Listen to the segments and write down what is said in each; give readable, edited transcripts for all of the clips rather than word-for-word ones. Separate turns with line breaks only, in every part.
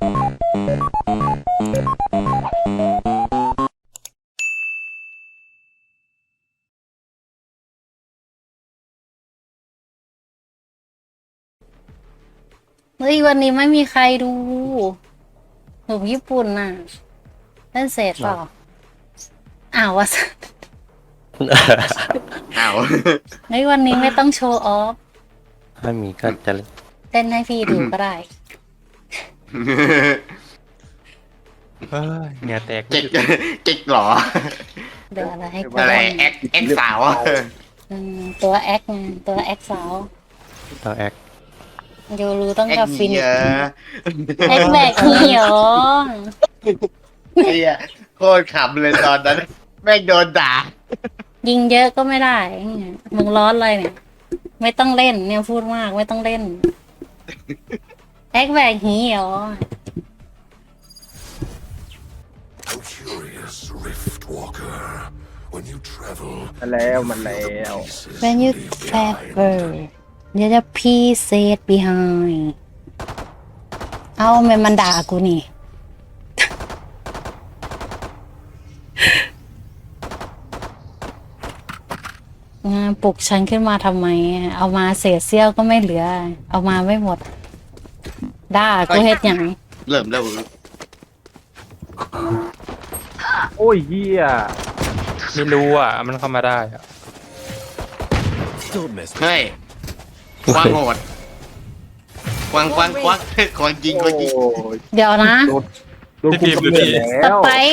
เฮ้ยวันนี้ไม่มีใครดูหนุ่มญี่ปุ่นน่ะเล่นเสร็จเปล่าอ้าววะ
อ้าว
เฮ้ยวันนี้ไม่ต้องโชว์ออฟ
ไม่มีก็จะ
เต้นให้พี่ดูก็ได้
เหงื่อแตก
เจ๊กเจ๊กเหรอ
เดี๋ยวอะไรให้กู
อะไร
เล่น
แอคสาว
ตัวแอคไงตัวแอคสาว
ต่อแอค
โยรู้ต้อง
แอค
กับฟิน
เหี้ย
แอคแบกเหี่ยว
ไอ้เหี้ยโคตรขำเลยตอนนั้น แม่งโดนด่า
ยิงเยอะก็ไม่ได้มึงร้อนเลยเนี่ย ไม่ต้องเล่นเนี่ยพูดมากไม่ต้องเล่นแอคแบกเหี่ยว
A curious rift walker. When you travel,
มันแล้วมันแล้ว
When you travel เดี๋ยวจะพี่เซต behind เอามันด่ากูนี่ ปลุกฉันขึ้นมาทำไม เอามาเศษเสี้ยวก็ไม่เหลือ เอามาไม่หมด ด่ากูเฮ็ดหยัง
เริ่มแล้ว
โอ้ยเฮีย
ไม่รู้อ่ะมันเข้ามาได้อ่ะ
don't mess.
เฮ้ยควางโหดควางควางยิงควางยิง
โอ้ย
เดี๋ยวนะ
โดนคุมกำเนิด
ส
แล้ว
ไปร์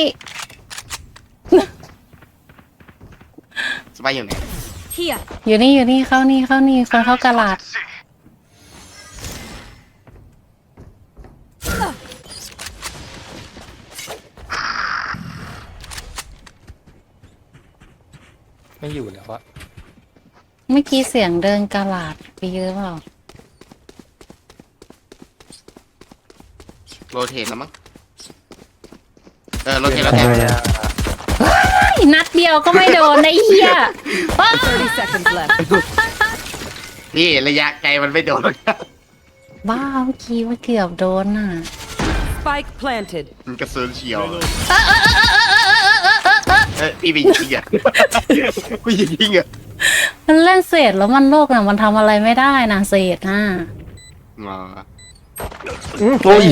สบายอยู่ไหน
อยู่นี่เข้านี่คนเข้ากระลาด
ไม่อยู่แล้วอ่ะ
เมื่อกี้เสียงเดินกระลาดไปเยอะเปล่า
โรเทตแล้วมั้งโรเทตแล้วแทน
นัดเดียวก็ไม่โดนไอ้เหี้ยอ้าว
30 seconds left.
นี่ระยะไกลมันไม่โดน
บ้าเมื่อกี้ว่าเกือบโดนน่ะ
Spike planted.
มันกระสุนเฉียวพี่ไปยิงอ่ะกูยิงอ่ะ
มันเล่นเศษแล้วมันโลกน่ะมันทำอะไรไม่ได้นะเศษน่ะ
อ๋อ
โอ้ย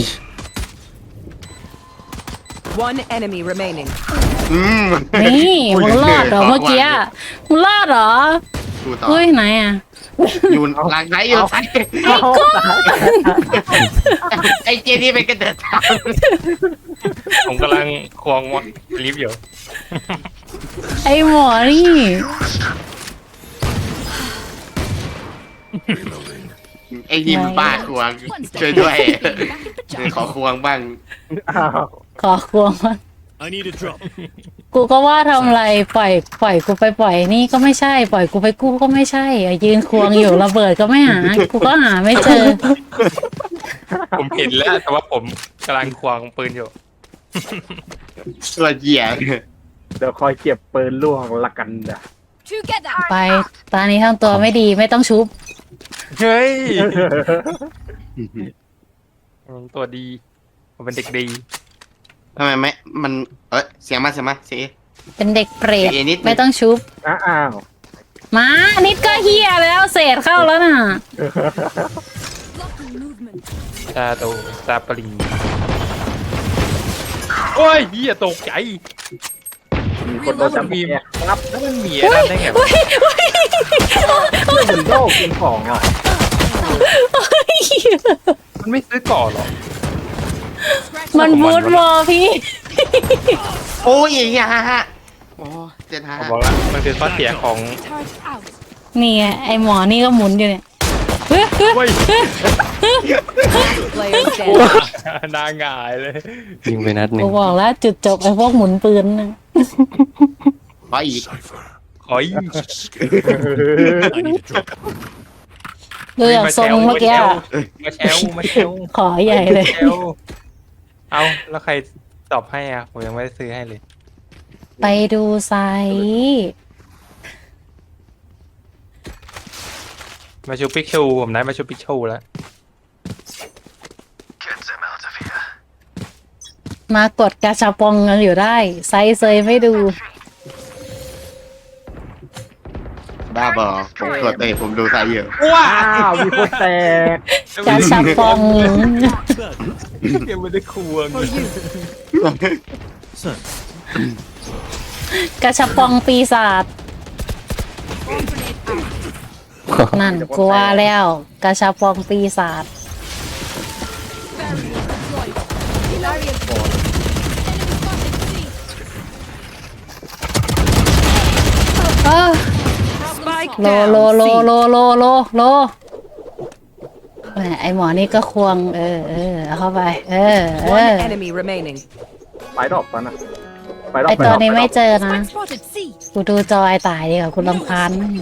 One enemy remaining.
นี่มึงรอดเหรอเมื่อกี้มึงรอดเหรอ
ดูต่อ
เฮ้ยไหนอ่ะ
อยู่หลังไหนอยู่ไหน
เอาตาย
ไอ้เจนี่เป็นกระเดิดทาง
ผมกำลังควงลิฟต์อยู่
ไอ้หมอนี่
Reloading.
ไอ้นี่มันบ้าควงช่วยด้วยขอควงบ้าง
อ้าว
ขอควงมัน
I need a drop.
กูก็ว่าทำอะไรปล่อยกูไปปล่อยนี่ก็ไม่ใช่ ปล่อยกูไปกู้ก็ไม่ใช่อ่ะยืนควงอยู่ระเบิดก็ไม่หา กูก็หาไม่เจอ
ผมเห็นแล้วแต่ว่าผมกำลังควงปืนอยู่
ตัวเหยียบ
เดี๋ยวคอยเก็บปืนล่วงละกันนะ
ไปตอนนี้ทำตัวไม่ดีไม่ต้องชุบ
เฮ้ยผมตัวดีผมเป็นเด็กดี
ทำไมไม่มันเสียงมาเสียง
เป็นเด็กเปรต
เอนิดนึง
ไม่ต้องชุบ
อ้าว
มานิดก็เฮียแล้วเศษเข้าแล้วน่ะ
ตาโตตาปริงโอ้ยเหี้ยตกใจ
มีคนโดนจับแอบครับ
แล้วมันมีอะไรได้ไงวะ
เป็นโลกเป็นของอ่ะ
มันไม่ซื้อก่อนหรอ
มันบูทวอลพี่
โอ้ยอย่าโอ้เจ็ดห้า
ผมบอกแล้วมันเป็นข้อเสียของ
นี่ไงไอหมอนี่ก็หมุนอยู่เนี่ยเฮ้ย
เว้ย
Player standing.
หน้าหงายเลย
ยิงไปนัดหนึ่
กู
ง
บอกแล้วจุดจบไอพวกหมุนปืนน่ะ
ขออีก
Cipher.
ขอย
I need a drop.
ดูอย่างทรงเมื่อกี้อะ
มาแชว
ขอใหญ่เลย
แชวเอาแล้วใครตอบให้อ่ะผมยังไม่ได้ซื้อให้เลย
ไปดูไซส์
มาชูปิกชูผมได้มาชูปิกชูแล้ว
Get them out of here.
มากดกาชาปองกันอยู่ได้ ไซส์เซยไม่ดู
บ้าบอผมกดผมดูสายเยอะ
ว้าวมีคนแตก
กาชาปอง
ยังไม่ได้ควง
Sir,
กาชาปองปีศาจนั่นกลัวแล้วกาชาปองปีศาจเออ
Spike
โล
down.
โลโล
C.
โลโลโลโลแหมไอหมอนี่ก็ควง เอาเข้าไป
One enemy remaining.
ไปดอกปะนะไปดอก
ไอตัวนี้ไม่เจอนะ
Spotted C.
กูดูจอยตายดีกว่าคุณลำคาญมาก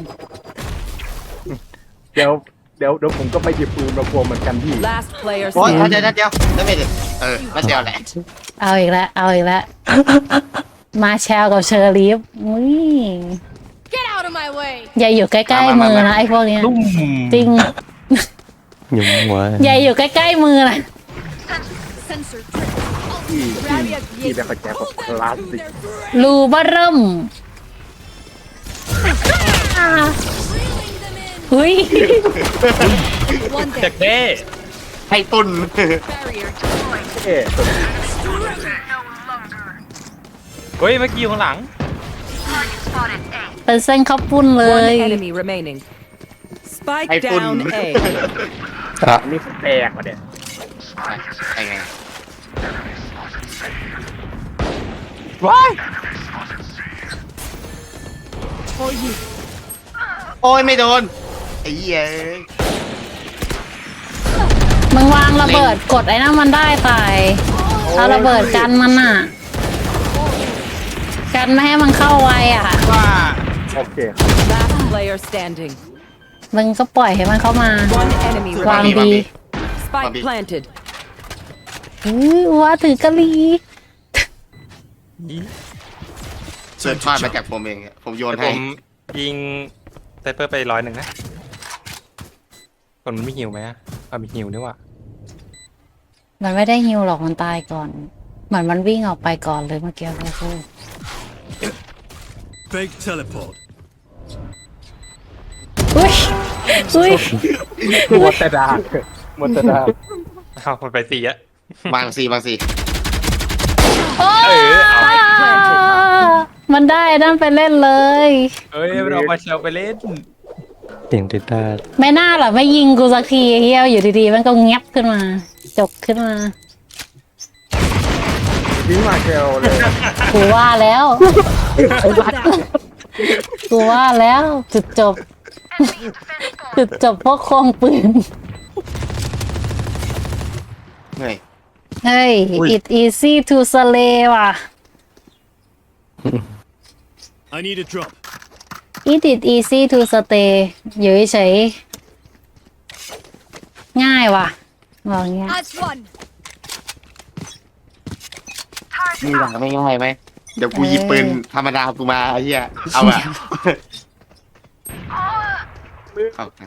เดี๋ยวผมก็ไปหยิบปืนมาพวงเหมือนกันพี่
Last player
โอ้ย
standing.
เดี๋ยวได้ไม่ได้นัดเดียวแหละ
เอาอีกแล้ว เอาอีกแล้ว มาแชลกับเชอรีฟอุ้ย
Get out of my way.
อย่าอยู่ใกล้ๆมือนะไอพวกเนี้ยจริง
ยุ่งหัว
อย่าอยู่ใกล้ๆมือนะ
Sensor trip.
พี่เป็นคนแก่แบบคลาสสิก
รูเบอร์เริ่ม
Reeling them in.
เฮ้ย
One
จาก
dead.
เด้
ให้ตุน
Barrier.
เอ๊ะ
เฮ้ยเมื่อกี้อยู่ข้างหลัง
เป็นเส้นข้าวปุ้นเล
One
ย
enemy remaining.
ให้
Spike
ตุน
down A.
อันนี้แตกว่ะเนี่ย
ไอ้ไง
ว้าย
โอ้ยไม่โดนไอ้เหี้ย
มึงวางระเบิดกดไอ้นั่นมันได้ตายเอาระเบิดกันมันอ่ะ กันไม่ให้มันเข้าไวอ่ะ
ว่า
โอเค
Last player standing.
มึงก็ปล่อยให้มันเข้ามา
One enemy
วาง
remaining.
ดี
Spike planted.
ว่าถือกะลี
เสิร์ฟพลาดมาจากผมเองผมโยน
ผ
ให้
มยิงไซเปอร์ไป100นะคนมันไม่หิวไหมอะมีหิวนี่ว่ะ
มันไม่ได้ฮิวหรอกมันตายก่อน เหมือนมันวิ่งออกไปก่อนเลยเมื่อกี้เราพูด
fake teleport.
อุ้ยอุ้ย
หมดแต่ดาบหมดแต่ดาบ
เอามันไป4อะ
วางซี
โอ้ มันได้นั่นไปเล่นเลย
เอ้ยมันเอามาเชลไปเล่น
เสียงติดตา
ไม่น่าหรอไม่ยิงกูสักทีเฮียอยู่ดีๆมันก็เงียบขึ้นมา จกขึ้นมา
ทิ้งมาเกลเลย
กูว่าแล้ว กูว่าแล้วจุดจบ จุดจบเพราะควงปืน
เฮ้ย
เฮ้ย it easy to slay ว่ะ
I need a drop.
it easy to stay อยู่เฉยๆง่ายว่ะบอกเงี้ย
That's one.
มีหลังไม่ง่ายไหมเดี๋ยวกูหยิบปืนธรรมดากูมาไอ้เหี้ยเอาอะเข้ากัน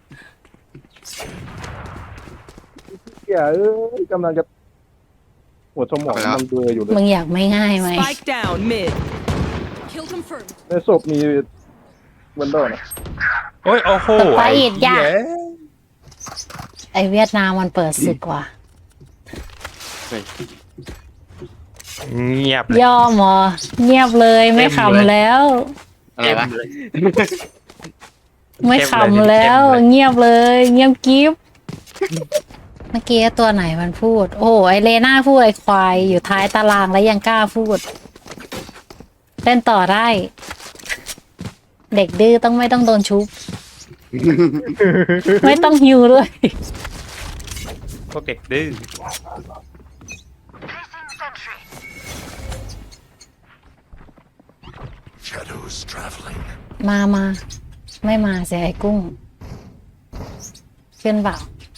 เหี้ยกำลังจะหัวสมองมันเบลออยู่เลย
มึงอยากไม่ง่ายไหม
Spike down mid.
Kill confirmed.
ในศพมีวันโดนะ
โอ้ยโอ้โห
ไปอีกอย่า
เหี้
ไอเวียดนามมันเปิดศึกว่ะ
เฮ้ย
เงียบเลย
ย่อมเหรอเงียบเลยไม่ขำแล้ว
อะไรวะ
ไม่ขำแล้ว เงียบเลย เงียบกิ๊บเมื่อกี้ตัวไหนมันพูด โอ้โหไอเลน่าพูดไอควายอยู่ท้ายตารางแล้วยังกล้าพูดเล่นต่อได้ เด็กดื้อต้องไม่ต้องโดนชุบ ไม่ต้องฮิวด้วย
พวกเด็กดื้อ
Shadows traveling.
มาไม่มาเสียไอ้กุ้งขึ้นเปล่า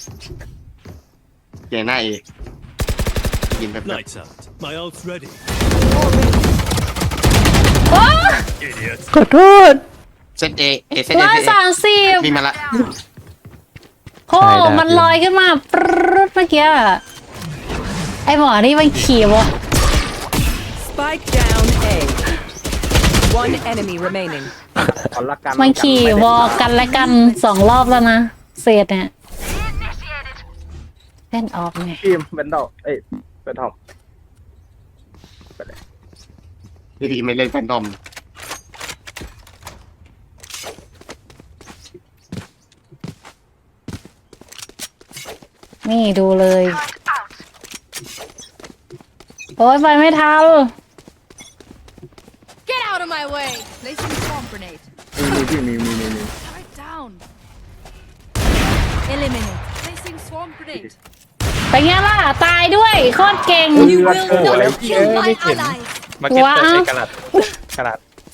เกยหน้าเองยินแบบ
Lights out. My ult's ready.
โอ้
Idiot.
ขอโทษ
เซตเซต
130
มีมาละ
โอ้มันลอยขึ้นมาปรึ๊ดเมื่อกี้ไอหมอนี่มันขี่วะ
Spike down A. One enemy remaining.
ขอละกัน
มันขี่วอลกันและกัน2 รอบแล้วนะเศษเนี่ยเล่นออฟไง
ทีมเป็นดอกเอ้ยเป็นทอม
ดีไม่เล่นแฟนตอม
นี่ดูเลย โอ้ยไปไม่ทัน
Get out of my way! Placing swamp grenade.
มีพี่มี
Turret down. Eliminate. Placing swamp grenade.
ไปไงล่ะ ตายด้วยโคตรเก่ง
You will not kill my allies.
มาเก็ต
ว้าว
เปิดใส่กระดาษกระดาษ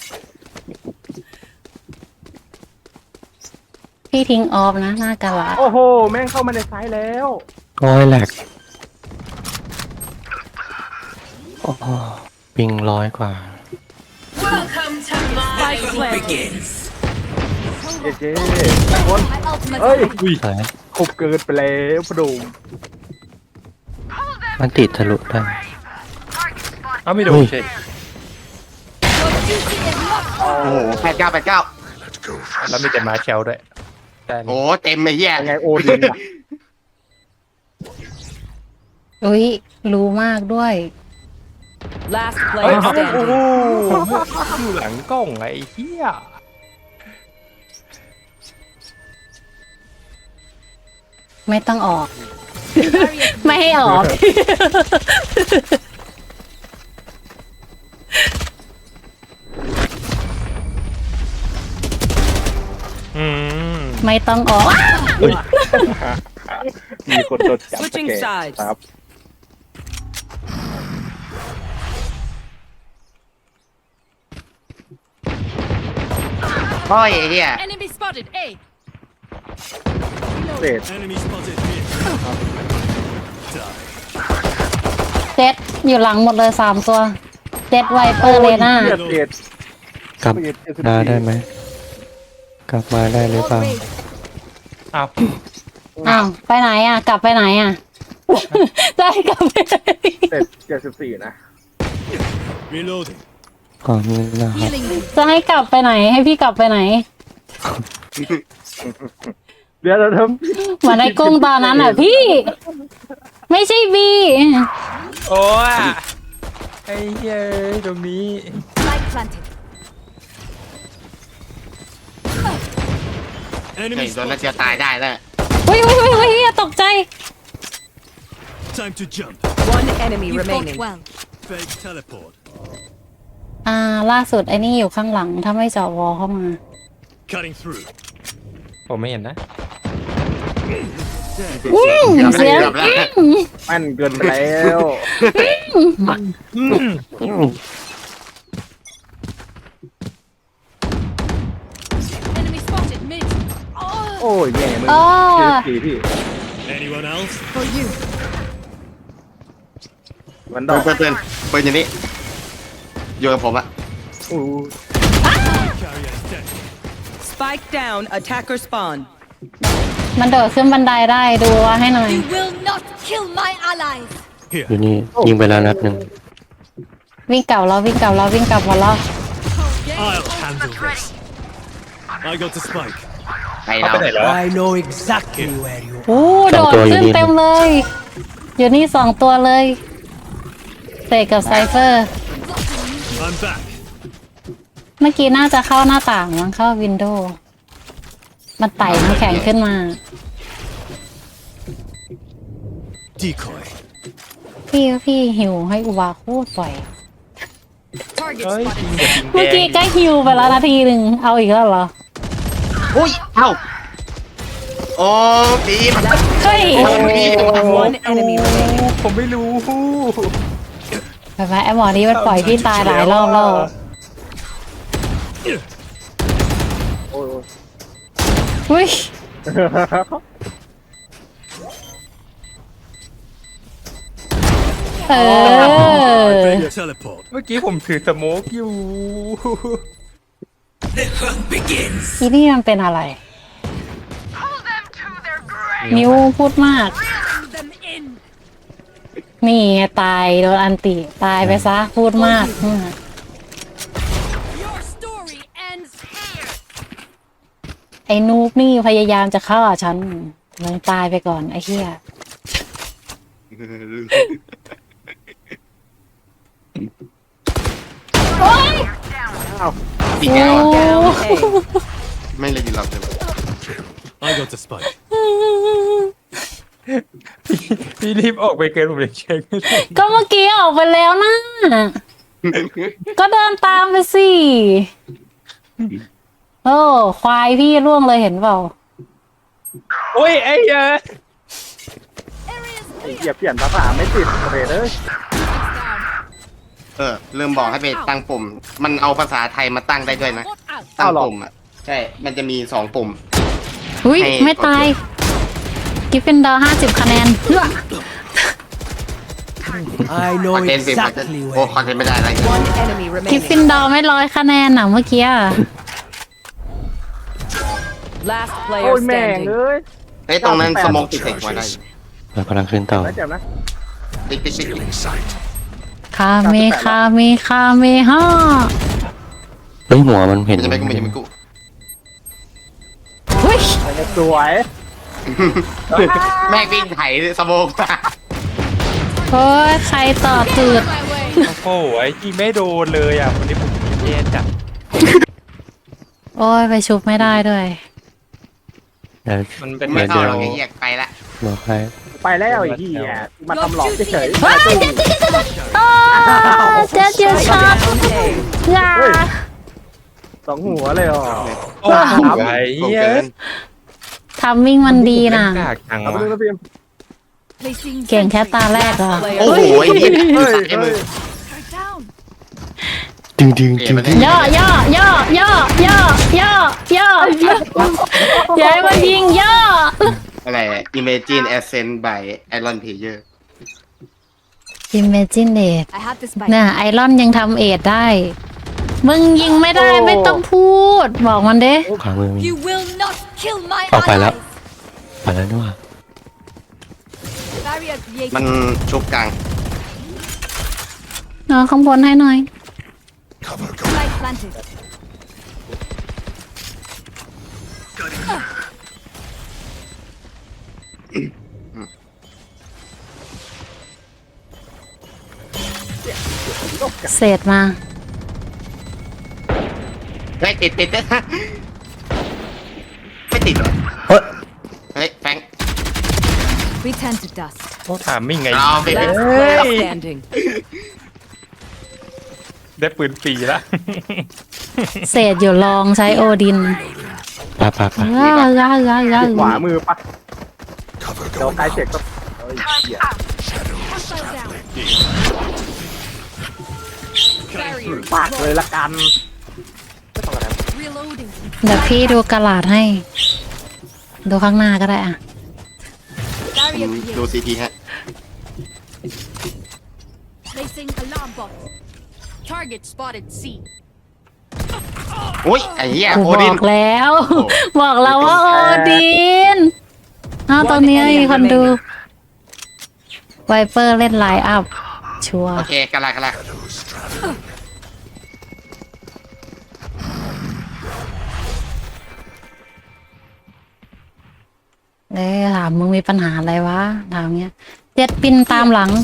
พี่ทิ้งออฟนะหน้ากะลา
โอ้โหแม่งเข้ามาในไซส์แล้ว
โอ้ยแหลกโอ้โหปิง100 กว่า
Spike planted.
เจ๊
My ultimate
เฮ้ย
สาย
ขบเกินไปแล้วพะโดม
มันติดทะลุได้
เอ้าไม่โดน
อุ้ย
ใช่
Your duty is not
โอ้โห89
แล้วมีแต่มาแคลด้วยแต่
โอ้เต็มไอ้เหี้ย
ยังไงโอดินอะ
อุ้ยรู้มากด้วย
Last
เฮ้ย
player
โอ้โห
standing.
อยู่หลังกล้องไอ้เหี้ย
ไม่ต้องออก ไม่ให้ออก
อืม
ไม่ต้องออก
มีคนโดนจับ
Switching
สแกน
sides
ครับ
โอ้ยไอ้เหี้ย
enemy spotted. A.
เศษ
Enemy spotted here. Die.
เจ็ดอยู่หลังหมดเลย3 ตัวเจ็ดไวเปอร์เลน่า
เศษ
กลับมาได้ไหม กลับมาได้หรือเปล่า
Raid.
อ้าว
อ้าวไปไหนอ่ะ กลับไปไหนอ่ะ ได้กลับไปไหน
เศษ74นะ
Reloading.
ก่อนนี้นะครับ
Healing them.
จะให้กลับไปไหน ให้พี่กลับไปไหน
เดี๋ยวเราท
เหมือนไอ้กุ้งตอนนั้นอ่ะพี่ ไม่ใช่บี
โอ้ยไอ้เหี้ยตรงนี้
Light planted.
เฮ้ย
Enemy
โดนแล้ว
spotted.
จะตายได้แล้ว
อุ้ยตกใจ
Time to jump.
One enemy
You fought
remaining.
well.
Fake teleport.
ล่าสุดไอ้นี่อยู่ข้างหลัง ถ้าไม่เจาะวอลเข้ามา
Cutting through.
ผมไม่เห็นนะ
เสียง
เกือบแล้ว
ำแม่นเกินไปแล้ว
Enemy spotted. Mid. Oh,
โอ้ยแย่มึง
อ๋อ
74พี่
Anyone else?
for you.
มันด
เปิ
อ
ด
ก
เปิดเปิดอย่างนี้อยู่กับผมอะ
อู้
Carrier is dead.
Spike down. Attacker spawn.
มันโดดขึ้นบันไดได้ดูว่าให้หน่อย
You will not kill my allies.
อยู่นี่ยิงไปแล้วนัดหนึ่ง
วิ่งกลับแล้ววิ่งกลับแล้ววิ่งกลับหมดแล้ว
I'll handle this. I got the spike.
ไป
เข้า
เรา
ไปไหนแล้วอะ
โอ้โดดขึ้นเต็มเลย อยู่นี่2 ตัวเลยเตะกับไซเฟอร์
I'm back.
เมื่อกี้น่าจะเข้าหน้าต่างมั้งเข้าวินโดว์มันไต่น้ำแข็งขึ้นมา
Decoy.
พี่หิวให้อุบาโคตรปล่อย
Target
เฮ้ย
spotted.
จริงกับจริงแด
เมื่อกี้
ง
ก็หิวไปแล้วนาทีหนึ่งเอาอีกแล้วเหรอ
อุ้ยเอ้าโอ้ปีม
เฮ้ย
One enemy remaining.
ผมไม่รู้
ไปไหมไอหมอนี้มันปล่อยพี่ตายหลายรอบแล้ว
โอ้ย
อุ้ยเออ
Fake teleport.
เมื่อกี้ผมถือสโมกอยู่
อีนี่มันเป็นอะไร นิ้วพูดมาก
Bring them in.
นี่ไงตายโดนอันติตายไปซะพูดมาก
Your story ends here.
ไอ้นูบนี่พยายามจะฆ่าฉันมึงตายไปก่อนไอ้เหี้ย
อีกแล้ว
โอ้
ไม่เลยยินเราเลย
I got the spike.
พี่รีบออกไปเกินผมเลยเช็คไม่ได้
ก็เมื่อกี้ออกไปแล้วนะก็เดินตามไปสิโอ้ควายพี่ร่วงเลยเห็นเปล่า
โอ้ยไอ้เหี้ย
Area's
ไอ้
clear.
เหี้ยเปลี่ยนภาษาไม่ติดเรทเลย
ลืมบอกให้ไปตั้งปุ่ม มันเอาภาษาไทยมาตั้งได้ด้วยนะ
Spot out.
ตั้งปุ่มอ่ะ ใช่ มันจะมี2 ปุ่ม
อุ้ย
ให้
ไม่ตายกิฟฟินดอร์50 คะแนนเฮ้อ
I
ค
know
อนเทนต์เป็นคอนเทนต์
exactly
โอ้
where.
คอนเทนต์ไม่ได้อะไร
One enemy
กิฟฟิน
remaining.
ดอร์ไม่100 คะแนนน่ะเมื่อกี้อะ
Last
โอ้
player
ยแม่ง
standing.
เอ้ย
เฮ้ยตรงนั้นสมองติดใส่หัวได้
เรากำลังขึ้นต่อ
แล้วเจ็บนะ
ติ๊กติ๊กติ๊ก
คาเมคาเมคาเมฮ่า
เฮ้ยหัวมันเห็น
จะไม่กูไม่จะไม่กู
เฮ้ย
สวย
แม่งวิ่งไถสมองมา
โอ้ยใครต่อจืด
My way.
โอ้โหไอ้ที่ไม่โดนเลยอ่ะวันนี้ผมแย่จัด
โอ้ยไปชุบไม่ได้ด้วย
เดี๋ยว
มันเป็น
ไม่
แบ
เข้า
บ
หรอกไอ้เหี้ยไปละ
บอกให้
ไปแล้วไอ้เหี้ยมาทำหลอกเฉย
ว้ายเจ็ดโอ้เจ็ดเจ็ดช็อต
Down A.
อย่า
ๆ2 หัวเลยอ๋อ
โอ้โหไอ้
โกง
เหี้ย
เกิน
ทัมมิ่งมันดีน่ะ
กากจัง
เอาไป
วะ
ดูนะพิม
Placing
เก่งแค่
sentry.
ตาแรกเหรอ
โอ้โหไอ้เหี้ย
เฮ้ย
ไอ้มือ
Strike down.
ดึงดึง
เอ๋
ดึง
มัน
ดึ
ได้
ง
ย่อย่อย่อย่อย่อย่อย่อย่อย่าให้มันยิงย่อ
อะไร Imagine Ascent by Iron Player
Imagine it
I have the spike.
น่ะไอรอนยังทำเอทได้ มึงยิงไม่ได้ไม่ต้องพูด บอกมันเด้
ขวามือมี
You will not kill my
ออกไปแล้ว
allies.
ไปแล้วนี่หว่า
Barrier created.
มันชุบกลาง
นอนข้างบนให้หน่อย
Spike planted.
เศษมา
เฮ้ยติดไม่ติดเหรอ
เฮ้ย
เฮ้ยแฟง
Return to dust.
ถามมิ่งไง
เราไป
Last player standing.
ได้ปืนฟรีละ
เศษอยู่ลองใช้โอดิน
ไปไปไป
ขวามือปะเดี๋ยวใครเสร็จก็เฮ้ยเหี้ย
Hostile down. Barrier
ปากเลยละกัน
reloading.
เดี๋ยวพี่ดูกระลาดให้ ดูข้างหน้าก็ได้อะ
Barrier
ดู
created.
ซีทีฮะ
Placing alarm bot. Target spotted C.
อุ้ยไอ้เหี้ย
กู
โอบ ดิ
อน กแล้ว บอกแล้วว่าโอดินเอาตรงนี้มีคนดู ไวเปอร์เล่นไลน์อัพ ชัวร์
โอเคกะลากะลา
ถามมึงมีปัญหาอะไรวะ ถามเงี้ยเจ็ดปินตามหลัง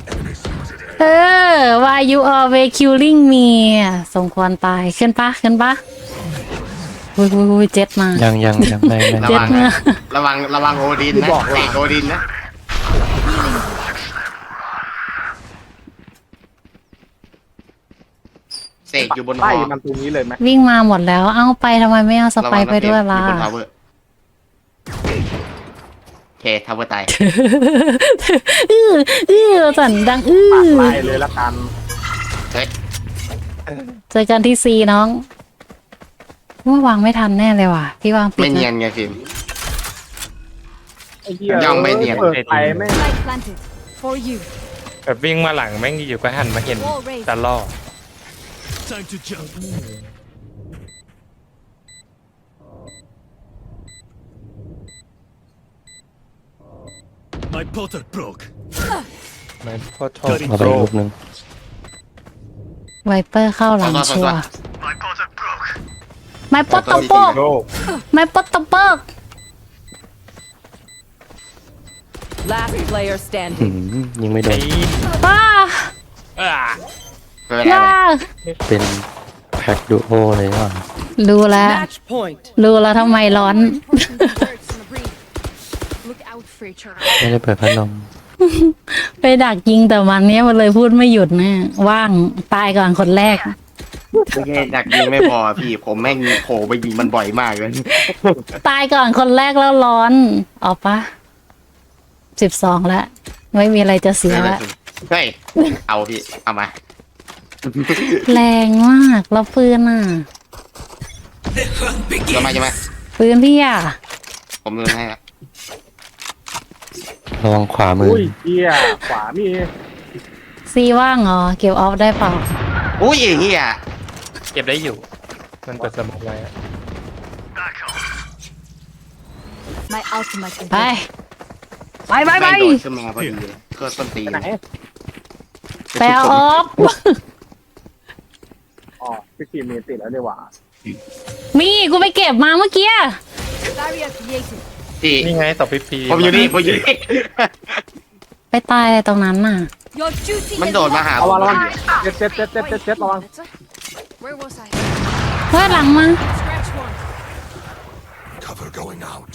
why you always killing me สมควรตาย ขึ้นปะขึ้นปะอุ้ยเจ็ดมา
ยังได้
ระ
เจ็ด
วัง
มา
นะระวังโอดินนะเตะโอดินนะเสกอยู่บนห
ไล่
อ
มันตรงนี้เลยไหม
วิ่งมาหมดแล้ว เอ้าไปทำไมไม่เอาสไปร์ไปด้วยล่ะ
อยู่บนทาวเวอร์โอเคทาวเวอร์ตาย
สั่นดัง
ปากไล่เลยละกัน
เฮ้ย
เจอกันที่ซีน้องว่าวางไม่ทันแน่เลยว่ะ พี่วางปิด
ไม่เนีย
นะ
นไงฟิล์ม
ไอ้เหี้ย
ยังไม่เนียน
เปิดไปไม่
Spike planted. For you.
แบบวิ่งมาหลังแม่งอยู่ก็หันมาเห็น
Wall raised.
ตลอด
Time to jump. My Potter broke.
เหมือนพ่อโทษ
เอาไปอีกลูกหนึ่ง
ไวเปอร์เข้าหลัง
ตัว
ชัวร์ไม่ปอตตะโปก
โลก
ไม่ปอตตะโปก
Last player
หื
standing.
มยิงไม่โดน
ป้า
ไม่เป็นไร
ย่า
เป็นแพ็คดูโอเลยว่ะ
รู้แล้ว
Match point.
รู้แล้วทำไมร้อน
Important birds on the breed. Look out for each other.
ไม่ได้เปิดพัดลม
ไปดักยิงแต่มันเนี้ยมันเลยพูดไม่หยุดเนี่ยว่างตายก่อนคนแรก
ไม่ใช่ดักยิงไม่พอพี่ผมแม่งโผล่ไปยิงมันบ่อยมากเลย
ตายก่อนคนแรกแล้วร้อนเอาปะ12แล้วไม่มีอะไรจะเสียแล้ว
เฮ้ยเอาพี่เอามา
แรงมากแล้วปืนอ่ะ
จะมาจะมา
ปืนพี่อ่ะ
ผมลืมให้ละ
ระวังขวามือ
อุ้ยเหี้ยขวามี
ซีว่างเหรอเก็บออฟได้เปล่า
อุ้ยเฮีย
เก็บได้อยู่ มันเปิดสมองไว้อะ
My ultimate is
ไปไปไปไป
แม่งโดดขึ้นมาพอดีเลยเครื่องต้นตีน
ไหน
ไปเอาออฟ
อ๋อพี่ทีมมีติดแล้วดีกว่า
มีกูไปเก็บมาเมื่อกี้
barrier created.
พี่
นี่ไงตอบพีพี
ผมอยู่นี่ผมอยู่นี่
ไปตายอะไรตรงนั้นน่ะ
Your duty
มัน
is
โดดมาหา
ระ
ผ
วัง
ม
ระวัง
พอดี
เจ็ดระวัง
Where was I?
เฮ้ยหลังมา
Scratch one.
Cover going out.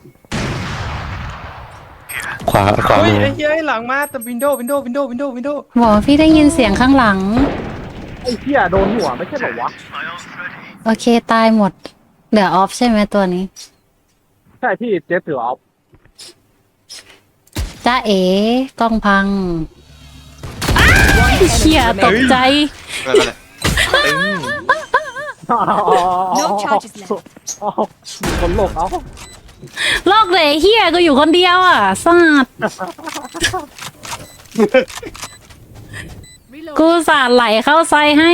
ขวา
เฮ้ย
มือ
ไอ้เหี้ยหลังมาแต่วินโดว์วินโดว์วินโดว์วินโดว์วินโดว์
บอกว่าพี่ได้ยินเสียงข้างหลัง
ไอ้เหี้ยโดนหัวไม่ใช่เหรอวะ
โอเคตายหมด เหลือออฟใช่ไหมตัวนี้
ใช่พี่เจ็ดถือเอา
จ้าเอ๋กล้องพังเชี่ยตกใจ
เออ
No charges left.
มีคนโลกเอา
โลกเลยเฮียก็อยู่คนเดียวอ่ะซาด
Reload.
กูสาดไหลเข้าไซให้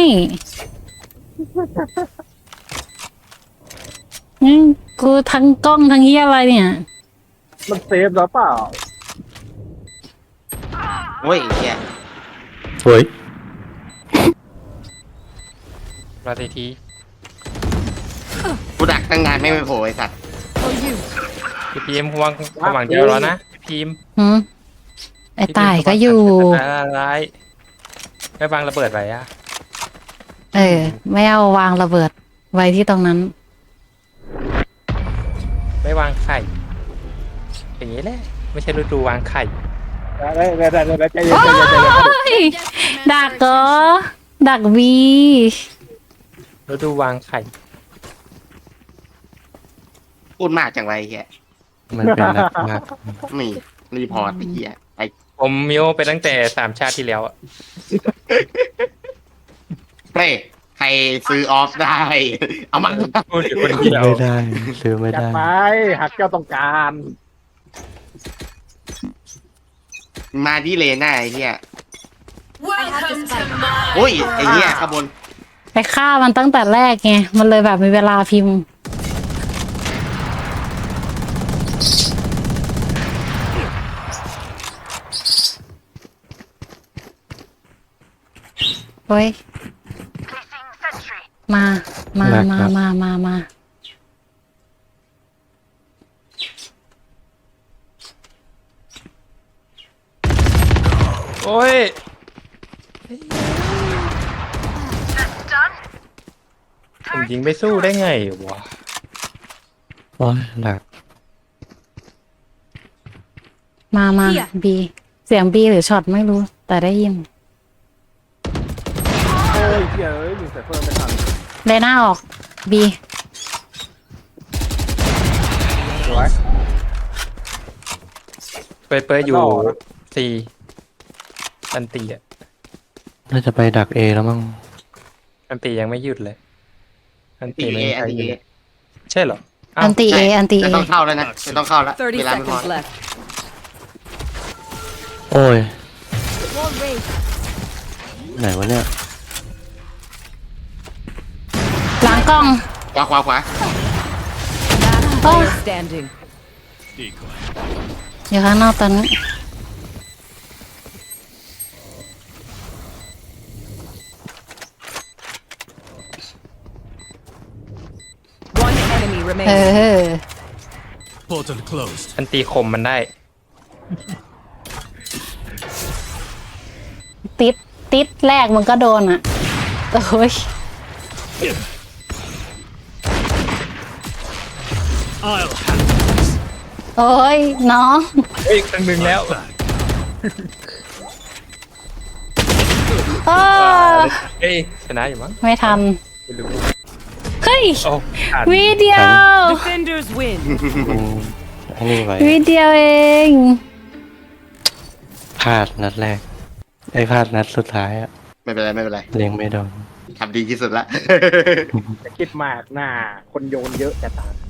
กูทั้งกล้องทั้งเฮียอะไรเนี่ย
มันเซฟแล้วเปล่า
โอ้ยเฮีย
เฮ้ย
มาที
กูดักตั้งนานไม่โผล่ไอ้สัตว์
For you.
พี่พีมวางความหวังเดียวแล้วนะพี่พีม
หืมไอ้ตายก็อยู่
อะไรไม่วางระเบิดไว้อะ
ไม่เอาวางระเบิดไว้ที่ตรงนั้น
ไม่วางไข่ อย่างนี้แหละไม่ใช่ฤดูวางไข่
ได้ใจเย็น
โอ้
ใจเย็นใจเย็น
ยดักเหรอดักวี
ฤดูวางไข่
พูดมากจังไรเฮีย
มันเป็นนักมาก
นี่รีพอร์ตไอ้เฮียไอ้
ผมมิวไปตั้งแต่3 ชาติที่แล้วอะ
เฮ้ยใครซื้อออฟได้ เอามา
พูดอยู่คน
ซื้
เดี
อ
ยว
ไม่ได้ซื้อไม่
จัด
ได้
ไปหักแก้วต้องการ
มาที่เลน่าไอ้เฮีย
I have the spike.
อุ้ยไอ้เฮียข้างบน
ไปฆ่ามันตั้งแต่แรกไงมันเลยแบบมีเวลาพิมพ์เฮ้ยมา
โอ้ยผมยิงไปสู้ได้ไงวะ
โอ้ยหลัก
มาบีเสียงบีหรือช็อตไม่รู้ แต่ได้ยิน
โอ้ยเหี้ยเอ้ยยิงใส่เฟิร์มไม่ทัน
เลน่าออกบี
สวย
เปิดอยู่
ต่อนะ
4 อันตีอะ
น่าจะไปดักเอแล้วมั้ง
อันตียังไม่หยุดเลย อันตี
ตี
ไม่
เอ
มีใคร
ตี
หยุด
เอ
เลยใช่เหรออ้าว
อันตีเออันตีเอ
จะต้องเข้าแล้วนะจะต้องเข้าแล้ว
30
เวลาไม่พอ
seconds left.
โอ้ย
Wall raised.
ไหนวะเนี่ย
หลังกล้อง
ขวา
Last player standing.
Decoy.
อยู่ข้างนอกตอนนี้เออ
Portal closed.
มันตีคมมันได้
ติดแรกมันก็โดนอ่ะโอ้ย
I'll handle this.
โอ้ยน้อง
เฮ้ยครั้งหนึ่งแล้ว
Back.
อ้า
เฮ้ยชนะอยู่มั้ง
ไม่ทัน
ไม่รู้
เฮ้ย
โอ้ขาด
วิเดียว
Defenders win.
อืมอันนี้ไว้
วิเดียวเอง
พลาดนัดแรกไอ้พลาดนัดสุดท้ายอะ
ไม่เป็นไรไม่เป็นไร
เล็งไม่โดน
ทำดีที่สุดละ
จะคิดมากหน้าคนโยนเยอะจะตาย